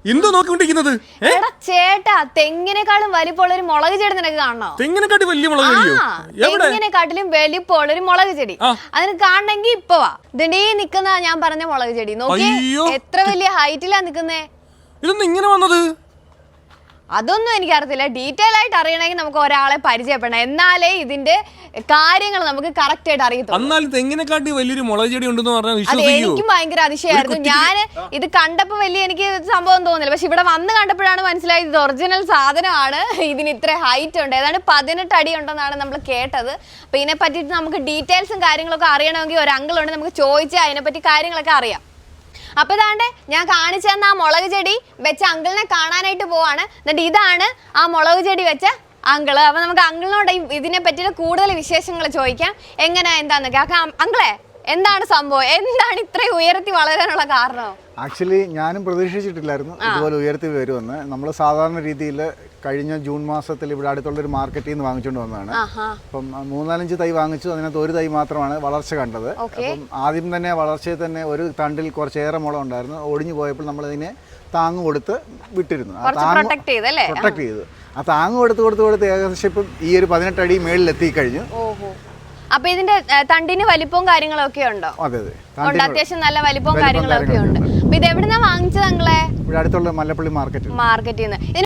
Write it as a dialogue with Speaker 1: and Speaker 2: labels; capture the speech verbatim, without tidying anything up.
Speaker 1: എന്തോ നോക്കിക്കൊണ്ടിരിക്കുന്നത്?
Speaker 2: എടാ ചേട്ടാ, തെങ്ങിനെക്കാളും വലിപ്പമുള്ള ഒരു മുളക് ചെടി നിനക്ക് കാണണോ?
Speaker 1: തെങ്ങിനെക്കാട്ടി വലിയ മുളക് ചെടിയോ?
Speaker 2: തെങ്ങിനെക്കാട്ടിലും വലിപ്പമുള്ള ഒരു മുളക് ചെടി അതിന് കാണണമെങ്കിൽ ഇപ്പൊ വാ. ഇതിന്റെ നിക്കുന്ന ഞാൻ പറഞ്ഞ മുളക് ചെടി നോക്കി, എത്ര വലിയ ഹൈറ്റിലാ നിക്കുന്നേ.
Speaker 1: ഇതൊന്നും ഇങ്ങനെ വന്നത്?
Speaker 2: അതൊന്നും എനിക്കറിയത്തില്ല. ഡീറ്റെയിൽ ആയിട്ട് അറിയണമെങ്കിൽ നമുക്ക് ഒരാളെ പരിചയപ്പെടണം, എന്നാലേ ഇതിന്റെ കാര്യങ്ങൾ നമുക്ക് കറക്റ്റ് ആയിട്ട് അറിയത്തുള്ളൂ.
Speaker 1: എന്നാലും തെങ്ങിനെക്കാട്ടി വലിയൊരു മുളക് ചെടി ഉണ്ടെന്ന് പറഞ്ഞാൽ
Speaker 2: അത്
Speaker 1: വിശ്വസിക്കുമോ?
Speaker 2: എനിക്കും ഭയങ്കര അതിശയമായിരുന്നു. ഞാൻ ഇത് കണ്ടപ്പോ വലിയ എനിക്ക് സംഭവം തോന്നില്ല, പക്ഷെ ഇവിടെ വന്ന് കണ്ടപ്പോഴാണ് മനസ്സിലായത് ഇത് ഒറിജിനൽ സാധനമാണ്. ഇതിന് ഇത്ര ഹൈറ്റ് ഉണ്ട്, ഏതാണ്ട് പതിനെട്ട് അടി ഉണ്ടെന്നാണ് നമ്മൾ കേട്ടത്. അപ്പൊ ഇതിനെ പറ്റിയിട്ട് നമുക്ക് ഡീറ്റെയിൽസും കാര്യങ്ങളൊക്കെ അറിയണമെങ്കിൽ ഒരു അങ്കിൾ ഉണ്ട്, നമുക്ക് ചോദിച്ചാൽ അതിനെപ്പറ്റി കാര്യങ്ങളൊക്കെ അറിയാം. അപ്പൊ ഇതാണ്ട് ഞാൻ കാണിച്ചു തന്ന ആ മുളക് ചെടി വെച്ച അങ്കിളിനെ കാണാനായിട്ട് പോവാണ്. എന്നിട്ട് ഇതാണ് ആ മുളക് ചെടി വെച്ച അങ്കിള്. അപ്പൊ നമുക്ക് അങ്കിളിനോട് ഇതിനെ പറ്റിയിട്ട് കൂടുതൽ വിശേഷങ്ങൾ ചോദിക്കാം, എങ്ങനെ എന്താന്നൊക്കെ. അങ്കിളെ, എന്താണ് സംഭവം? എന്താണ് ഇത്രയും ഉയർത്തി വളരാനുള്ള കാരണം?
Speaker 3: ആക്ച്വലി ഞാനും പ്രതീക്ഷിച്ചിട്ടില്ലായിരുന്നു ഇതുപോലെ ഉയർത്തി വരുമെന്ന്. നമ്മൾ സാധാരണ രീതിയിൽ കഴിഞ്ഞ ജൂൺ മാസത്തിൽ ഇവിടെ അടുത്തുള്ളൊരു മാർക്കറ്റിൽ നിന്ന് വാങ്ങിച്ചുകൊണ്ട് വന്നതാണ്. അപ്പം മൂന്നാലഞ്ച് തൈ വാങ്ങിച്ചു, അതിനകത്ത് ഒരു തൈ മാത്രമാണ് വളർച്ച കണ്ടത്. അപ്പം ആദ്യം തന്നെ വളർച്ചയിൽ തന്നെ ഒരു തണ്ടിൽ കുറച്ചേറെ മുള ഉണ്ടായിരുന്നു. ഒടിഞ്ഞു പോയപ്പോൾ നമ്മളതിനെ താങ്ങ് കൊടുത്ത് വിട്ടിരുന്നു. ആ താങ്ങ് പ്രൊട്ടക്ട് ചെയ്തു. ആ താങ്ങ് കൊടുത്ത് കൊടുത്ത് കൊടുത്ത് ഏകദേശം ഇപ്പം ഈ ഒരു പതിനെട്ട് അടി മേളിൽ എത്തിക്കഴിഞ്ഞു.
Speaker 2: അപ്പൊ ഇതിന്റെ തണ്ടിന് വലിപ്പവും കാര്യങ്ങളൊക്കെ ഉണ്ടോ?
Speaker 3: അതെ അതെ,
Speaker 2: അത്യാവശ്യം നല്ല വലിപ്പവും കാര്യങ്ങളൊക്കെ ഉണ്ട്. അപ്പൊ ഇത് എവിടുന്നാ വാങ്ങിച്ചത് അങ്ങളെ?
Speaker 3: ഇവിടെ അടുത്തുള്ള മല്ലപ്പള്ളി മാർക്കറ്റ്
Speaker 2: മാർക്കറ്റിൽ നിന്ന്.